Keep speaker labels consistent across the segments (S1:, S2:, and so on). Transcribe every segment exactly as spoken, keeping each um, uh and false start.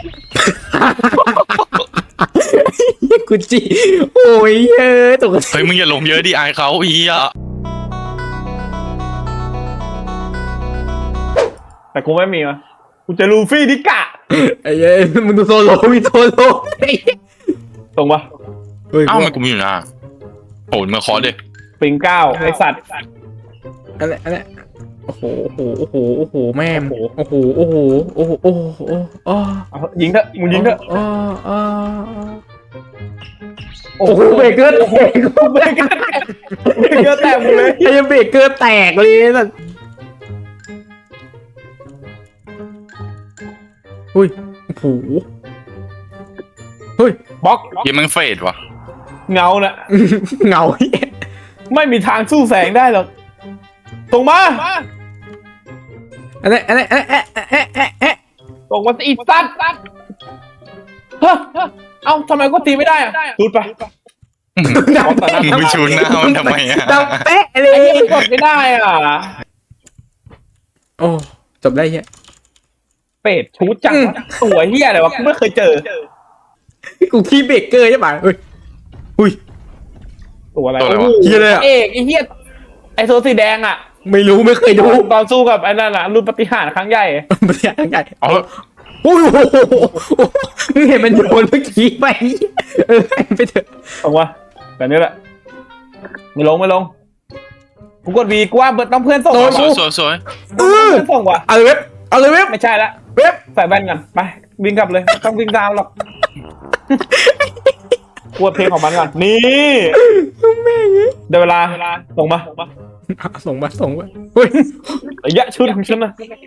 S1: กูจีโอ้ยเฮ้ยตกใจ
S2: เฮ้ยมึงอย่าลงเยอะดิอายเขาอีอ่ะ
S3: แต่กูไม่มีวะกูจะลูฟี่ดิกะ
S1: ไอ้เฮ้ยมึงดูโซโลมีโซโล
S3: ตรงปะ
S2: เอ้ามันกูมีอยู่นะโหมาคอเด็ก
S3: ปิงเก้าไอสัตว์
S1: อะไรอะไรโอ้โหโอ้โหโอ้โหโอ้โหแม่โอ้โหโอ้โหโอ้โหโอ้โหโอ้โห
S3: ยิงเถอะมึงยิงเถอะ
S1: โอ้โอ้โอ้โหเบรกเกอร์แตก
S3: เบรกเกอร์แตกเบรกเกอร์แตกหมดเลย
S1: ไอ้เบรกเกอร์แตกเลยนั่นอุ้ยโอ้โหเฮ้ย
S3: บล็อก
S2: ยังมันเฟดวะ
S3: เงาน่ะ
S1: เงา
S3: ไม่มีทางสู้แสงได้หรอกตรงมา
S1: อันนี้อันนี้อันนี้เอ๊ะเอ๊ะเอ๊ะเอ๊ะ
S3: ตรงมาอีสัตว์เฮ้ยเอ้าทำไมก็ตีไม่ได้อะดูดไป
S1: ดัง
S2: มึ
S1: เป๊ะ
S2: งไปชูหน้ามันทำไมอ่ะ
S1: ดังเป๊ะเล
S3: ไอ้
S1: ย
S3: เหี้ยังกดไม่ได้อ่ะ
S1: โอ้จบได้เฮีย
S3: เป็ดชูจังวะตัวเฮียอะไรวะกูไม่เคยเจอ
S1: กูขี้เบรกเกอร์ใช่ป่ะเฮ้ยอุ้ย
S3: ตัวอะไร
S2: ตัวอะไรวะ
S1: เหี้ยเลยอะ
S3: เอกไอ้เฮียไอ้โซสีแดงอ่ะ
S1: ไม่รู้ไม่เคยดู
S3: ตอนสู้กับไอ้นั่นน่ะรุ่นปฏิหารย์ครั้งใหญ่
S1: มันใหญ่ใหญ่
S2: เอา
S1: โอ้ยโอ้โหมึงเห็นมันโยนเมื่อกี้ไปเออไปเถอะ
S3: ตรงวะแบบนี้แหละไม่ลงไม่ลงกูกดวีกูว่าเบิร์ดต้องเพื่อนส่ง
S2: สวย
S3: ว่ะ
S2: สวยสวยสวย
S1: เออ
S3: เพื่อนส่งว่ะ
S1: เอาเลยเว็บเอาเลยเว็บ
S3: ไม่ใช่ละ
S1: เว็บ
S3: ใส่แว่นกันไปวิ่งกลับเลยไม่ต้องวิ่งตามหรอกกวดเพลงของมันก่อนนี่เดี๋ยวเวลาส่งมา
S1: ส่งมาส่งมาเฮ้ย
S3: ระยะชุดของฉันนะ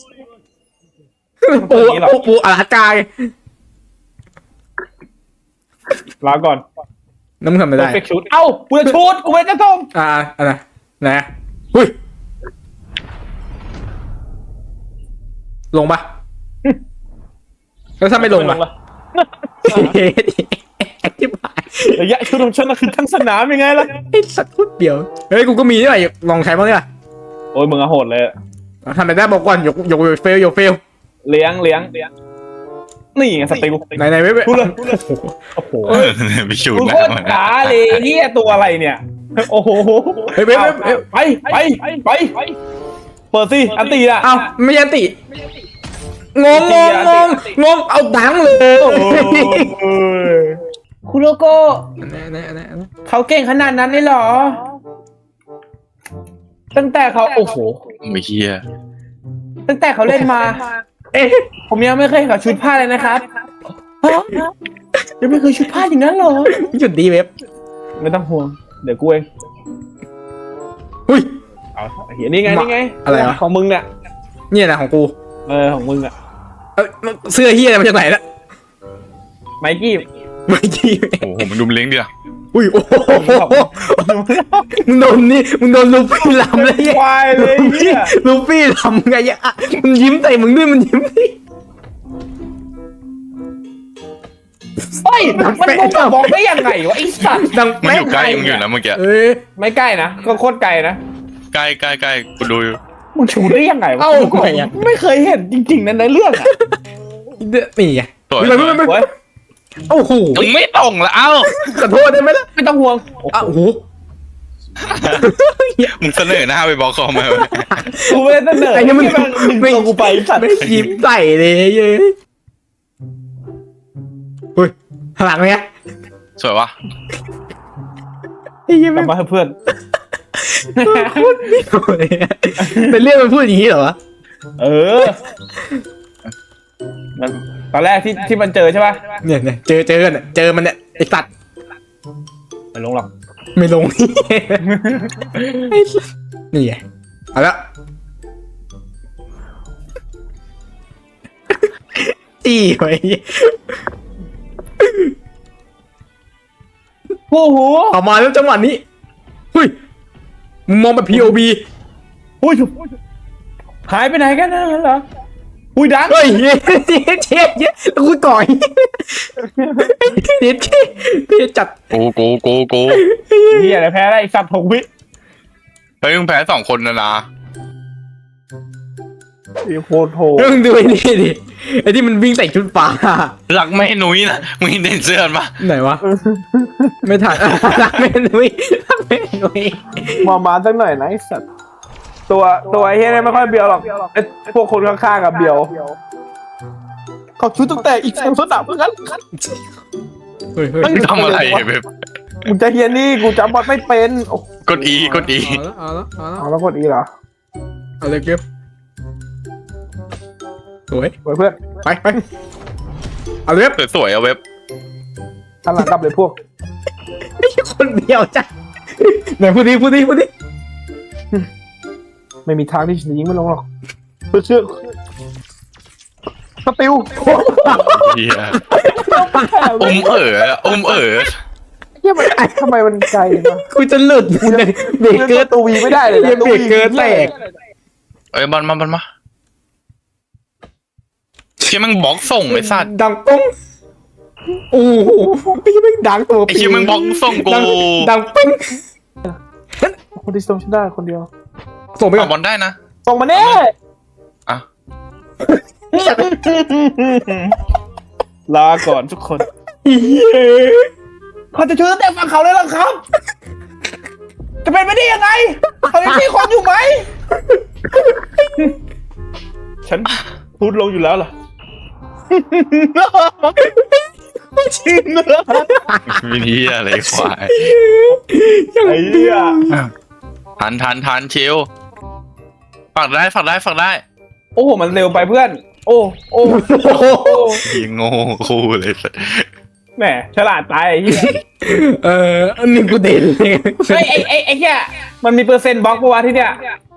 S1: ปูปูปูอาลาสกาไง
S3: ลาก่อน
S1: น้ำมันทำไม่ได้
S3: เฟกชุดเอ้ากูจะชุดกูไม่จะส่ง
S1: อ่าอะไรนะหุ้ยลงปะแล้วถ้าไม่ลงล่ะเฮ้ยอธิบาย
S3: ระยะชุดของฉันนะคือทั้งสนามยังไงล่ะ
S1: ไอ้สัตว์พูดเดียวเฮ้ยกูก็มีด้วยลองใช้บ้างดิล่ะ
S3: โอ้ยมึงอะโหดเลย
S1: ทำไม่ได้บอกก่อนยกยกเฟลยกเฟล
S3: เลี้ยงเลี้ยงนี่ไงสติล
S1: ไหนไหนไม่ไม่
S3: พูดเลยโอ้โห
S2: ไปชู
S3: กู
S2: ห
S3: โค
S2: น้า
S3: ตร
S2: มัน
S3: จ๋าเลยเฮียตัวอะไรเนี่ยโอ้โห
S1: เฮ้ยเว็บเว็บเว็บ
S3: ไปไปไปเปิดสิอันตีอ่ะ
S1: เอ้าไม่ยันติงงงงงงงงเอาดังเลย
S3: คุโรโก
S1: อันนี้อันนี้อันนี้อันนี้
S3: เขาเก่งขนาดนั้นเลยเหรอ ตั้งแต่เขาโอ้โห
S2: ไม่เฮีย
S3: ตั้งแต่เขาเล่นมา
S1: เอ๊ะ
S3: ผมยังไม่เคยเห็นเขาชุดผ้าเลยนะครับฮะยังไม่เคยชุดผ้าอย่างนั้นเหรอ
S1: หยุดดีเว็บ
S3: ไม่ต้องห่วง เดี๋ยวกูเอง
S1: หุ้ย
S3: เอาเห็นนี่ไงนี่ไง
S1: อะไรวะ
S3: ของมึงเนี่ย
S1: เนี่ยนะของกู
S3: เออของมึงอ่ะ
S1: เอ้ยเสื้อเฮียอะไรมาจากไหนละ
S3: ไมกี้
S1: ไม่กี้
S2: โอ้โหมันดูมันเล้งดิล่ะ
S1: อุ้ยโอ้โหมึงโดนนี่มึงโดนลูฟี่ลำเลย
S3: ควายเลยเฮีย
S1: ลูฟี่ลำไงอ่ะมันยิ้มใส่มึงด้วยมันยิ้มดิ
S3: เฮ้ยมันมึงจะบอกได้ยังไงวะไอ้สัตว์
S1: ดัง
S2: มัน
S1: แป๊ะ
S2: อยู่ใกล้มึงอยู่นะเมื่อกี้
S1: เอ้ย
S3: ไม่ใกล้นะก็โคตรไกลนะ
S2: ใกล้ใกล้ใกล้กูดูอยู่
S3: มึงชูได้ยังไงวะ
S1: เอ้า
S3: กู
S1: ไงอ่ะ
S3: ไม่เคยเห็นจริงๆนะในเรื่องอ่ะ
S1: นี่ไง
S2: สวย
S1: ไม่ไม่ไม่
S3: เว้ย
S1: โอ้โห
S2: มึงไม่ตรงละเอ้า
S1: ขอโทษได้ไหมล่ะ
S3: ไม่ต้องห่วง
S1: อ้าวโอ้โห
S2: มึงเสนอหน้าไปบอกเขามา
S3: กูไม่ได้เสนอ
S1: ไอ้นี่มัน
S3: ดึงตัวกูไปไอ้สัตว์
S1: ไม่ยิ้มใส่เลยเย้ยเฮ้ยหลังเนี้ย
S2: สวยวะ
S1: ไอ้ยิ้ม
S3: กลั
S1: ไม่
S3: บมาให้เพื่อน
S1: เป็นเรื่องมันพูดอย่างนี้เหรอวะ
S3: เออมันตอนแรกที่ที่มันเจอใช่ป่ะ
S1: เนี่ยเนี่ยเจอเจอกันเนี่ยเจอมันเนี่ยไอ้สัตว์
S3: ไม่ลงหรอก
S1: ไม่ลงไอ้สัตว์นี่ไงเอาละตีไว้
S3: โอ้โห
S1: เอามาแล้วจังหวะนี้เฮ้ยมึงมองแบบ พี โอ วี
S3: อุ้ยหายไปไหนกันนะเหรออุ้ยดัง
S1: เฮ้ยเย็ดเย็ดเย็ดเย็ดแล้วกูก่อยเย็ดเย็ดเย็ดจัด
S2: กูกูกูกู
S3: เฮียอะไรแพ้ได้ไอ้สัตว์หกวิ
S2: เฮ้ยมึงแพ้สองคนนะนะ
S3: ไอ้โคตรโหด
S1: มึงดูไอ้นี่ดิไอ้ที่มันวิ่งใส่ชุดฟ้า
S2: หลักไม่หนุ้ยนะมึงเห็นเสื้อมันปะ
S1: ไหนวะไม่ทันรักแม่นุ้ยรักแม่นุ้ย
S3: มามาสักหน่อยนะไอ้สัตว์ตัวตัวไอ้เฮียเนี่ยไม่ค่อยเบียวหรอกไอ้พวกคนข้างๆกับเบียวเขาชุดตั้งแต่อีกสามสนามเพื่อน
S1: เฮ้ยเฮ้ย
S2: ทำอะไรแบบ
S3: มึงจะเฮียนี่กูจำบอลไม่เป็นโอ้
S2: กดอีกดอี
S1: เอาละเอาละเอาละ
S3: เอาแล้วกดอีเหรอ
S1: เอาเลยเก็บสวย
S3: ไว้เพื่อน
S1: ไปไปเอาเลย
S2: สวยๆเอาเว็บ
S3: ทันหลังกลับเลยพวก
S1: คนเดียวจ้ะไหนพูดดิพูดดิพูดดิ
S3: ไม่มีทางที่ฉันจะยิงไม่ลงหรอกเพื่อเชื่อสติล
S2: เฮียอมเอ๋ออมเอ๋อ
S3: เฮียมันทำไมมันไกลวะ
S1: กูจะหลุดเบรกเกอร์
S3: ตัววีไม่ได้เลยนะ
S1: เบรกเกอร์แตก
S2: เอ้ยบอลมาบอลมาเชี่ยมึงบล็อกส่งไอ้สัตว์
S1: ดังป้องโอ้โหไม่ใช่ไม่ดังตัว
S2: ไอ้เชี่ยมึงบล็อกส่งกู
S1: ดังดังป้อง
S3: คนที่ส่งฉันได้คนเดียว
S1: ส่งไปก่อ
S2: เอาบอลได้นะ
S3: ส่งมาแน่
S2: อ่ะ
S3: ลาก่อนทุกคน
S1: เย้
S3: เขาจะช่วยตั้งแต่ฝั่งเขาเลยหรอครับ จะเป็นไปได้ยังไงเขายังมีคนอยู่ไหม ฉันพูดลงอยู่แล้วล่ะชิงเลย
S2: วิธีอะไรควาย
S3: ไอ้เหี้ย
S2: ทันทันทันชิวฝากได้ฝากได้ฝากได้
S3: โอ้โหมันเร็วไปเพื่อน โอ้โอ้โอ้
S2: ยิงโง่คู่เลยสัตว์
S3: แหมฉลาดตายไอ้เหี้ย
S1: เอออันนี้กูเด่นเลย
S3: ไอ้ไอ้ไอ้ไอ้เหี้ยมันมีเปอร์เซ็นต์บล็อกปะวะที่เนี้ย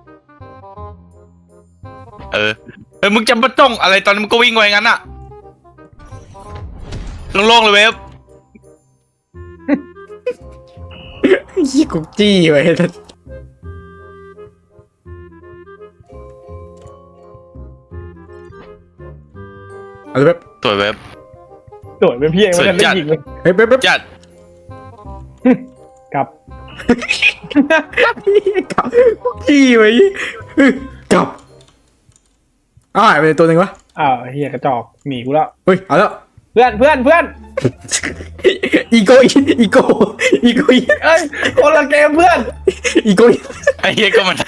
S2: เออเออมึงจะมาจ้องอะไรตอนนี้มึงก็วิ่งไว้งั้นอะโล่งๆเลยเว็บ
S1: ยี่กุกจี้ไว้เอาเลยแบบ
S2: ตัวเว็บ
S3: สวยเป็นพี่เองมันจะได้ยิงเลย
S1: เฮ้ยแบบแบบ
S2: จัด
S3: กลับ
S1: กลับจี้ไว้กลับอ้าวหายไปตัวหนึ่งวะ
S3: อ้าวเฮียกระจอกหนีกูแล้ว
S1: เฮ้ยเอาแล้ว
S3: เพื่อนเพื่อนเพื่อน
S1: อีโกอีโกอีโก
S3: เอ้ยคนละเกมเพื่อน
S1: อีโก
S2: ไอ้เหี้ยก็มัน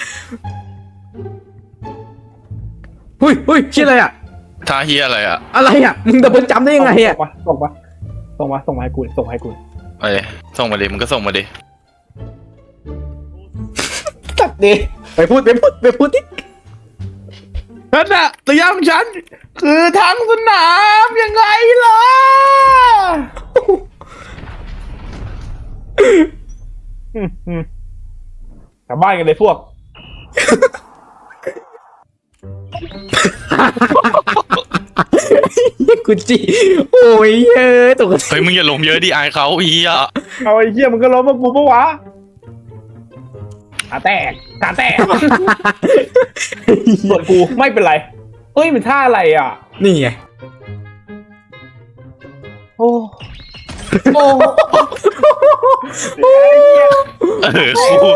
S1: เฮ้ยเฮ้ยชื่ออะไรอ่ะ
S2: ท่าเหี้ยอะไรอะ
S1: อะไรอ่ะมึงดับเบิลจัมป์ได้ยังไงอ่ะ
S3: ส่งมาส่งมาส่งมาส่งมาให้กูส่งมาให้กู
S2: เอ้ยส่งมาดิมึงก็ส่งมาดิ
S3: ตัดดิ
S1: ไปพูดไปพูดไปพูดดิ
S3: นั่นน่ะเตรียมฉัน คือทั้งสนามยังไงล่ะอืมอืมกลับบ้านกันเลยพวก
S1: กูจี้โอ้ยเฮ้ยตกใจ
S2: เฮ้ยมึงอย่าลงเยอะดิอายเขาอีอะ
S3: เอาไอ้เหี้ยมันก็ล้มมากูปะวะขาแตกขาแตก ส่วนกูไม่เป็นไรเอ้ยมันท่าอะไรอ่ะ
S1: นี่ไง
S3: โอ้โอ้
S2: เออคู่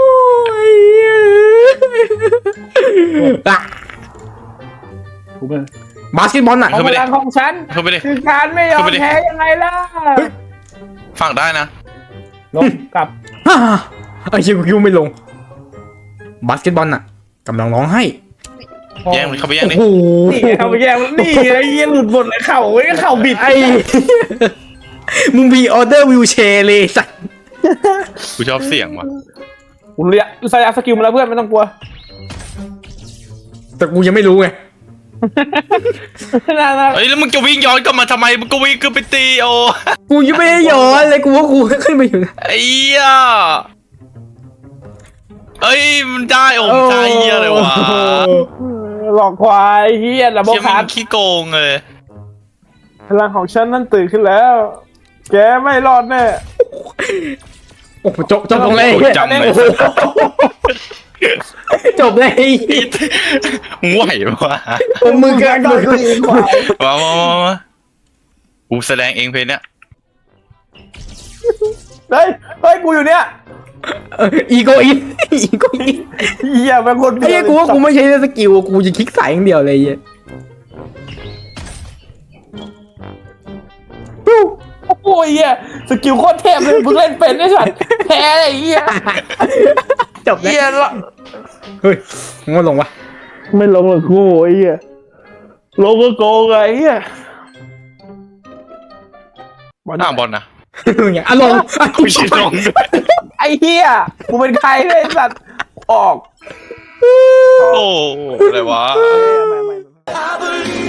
S3: กูเป็น
S1: บาสเกตบอลน่ะ
S3: ของพลังของฉัน
S2: เข้าไปดิ
S3: คือการไม่ยอมแพ้ยังไงล่ะ
S2: ฝากได้นะ
S3: ลงกลับ
S1: ฮ่าไอ้เชี่ยกูคิดว่าไม่ลง บาสเกตบอลน่ะกำลังร้องไห้
S2: แย่งเข้าไปแย่ง
S1: โอ้
S2: ดิ
S1: โห
S3: นี่เขาไปแย่งนี่ไอ้เหี้ยหลุดหมดเลยเข่าไอ้เข่าบิด
S1: ไอ้ มึงมีออเดอร์วิวแชร์เลยสัตว์
S2: กูชอบเสียงว่ะ
S3: กูเรียกใส่สกิลมาแล้วเพื่อนไม่ต้องกลัว
S1: แต่กูยังไม่รู้ไง
S3: น่าน่า
S2: เฮ้ยแล้วมึงจะวิ่งย้อนกลับมาทำไมมึงก็วิ่งขึ้นไปตีโอ
S1: กูยังไม่ได้ย้อนเลยกูว่ากูขึ้นไปอยู่นะ
S2: ไอ้เหี้ยเอ้ยมันได้โอ้มันได้เหี้ยเลยวะ
S3: หลอกควายเฮียระบบ
S2: เชี่ย
S3: คา
S2: มั
S3: ร์ด
S2: นขี้โกงเลย
S3: พลังของฉันนั่นตื่นขึ้นแล้ว แกไม่รอดแน่
S1: โอ้โหจบจบตรงเลย
S2: จำเลย
S1: จบเลย
S2: มึงไหวปะ
S1: มือกันมือ
S2: มามามามากูแสดงเองเพลงเนี้ย
S3: เฮ้ยเฮ้ยกูอยู่เนี่ย
S1: อีโกอินอีโกอิน
S3: เหี้ยเป็นคน
S1: ไอ้เหี้ยกูว่ากูไม่ใช่สกิลกูจะคลิกสายอย่างเดียวเลยไอ้เหี้ย
S3: โอ้ยเหี้ยสกิลโคตรเทพเลยเพิ่งเล่นเป็นไอ้สัตว์แพ้ไอ้เหี้ย
S1: จบแล้ว
S3: เหี้ยละ
S1: เฮ้ยมึงมาลงวะ
S3: ไม่ลงหรอกกูไอ้เหี้ยลงก็โกงไอ้เหี้ย
S2: หน้าบอลนะ
S1: มึงอย่างอ่ะลง
S2: กูชิดลงด้วย
S3: ไอ้เหี้ยกูเป็นใครเนี่ยไอ้สัตว์ออก
S2: โอ้อะไรวะ
S3: ไม่ไม่ไม่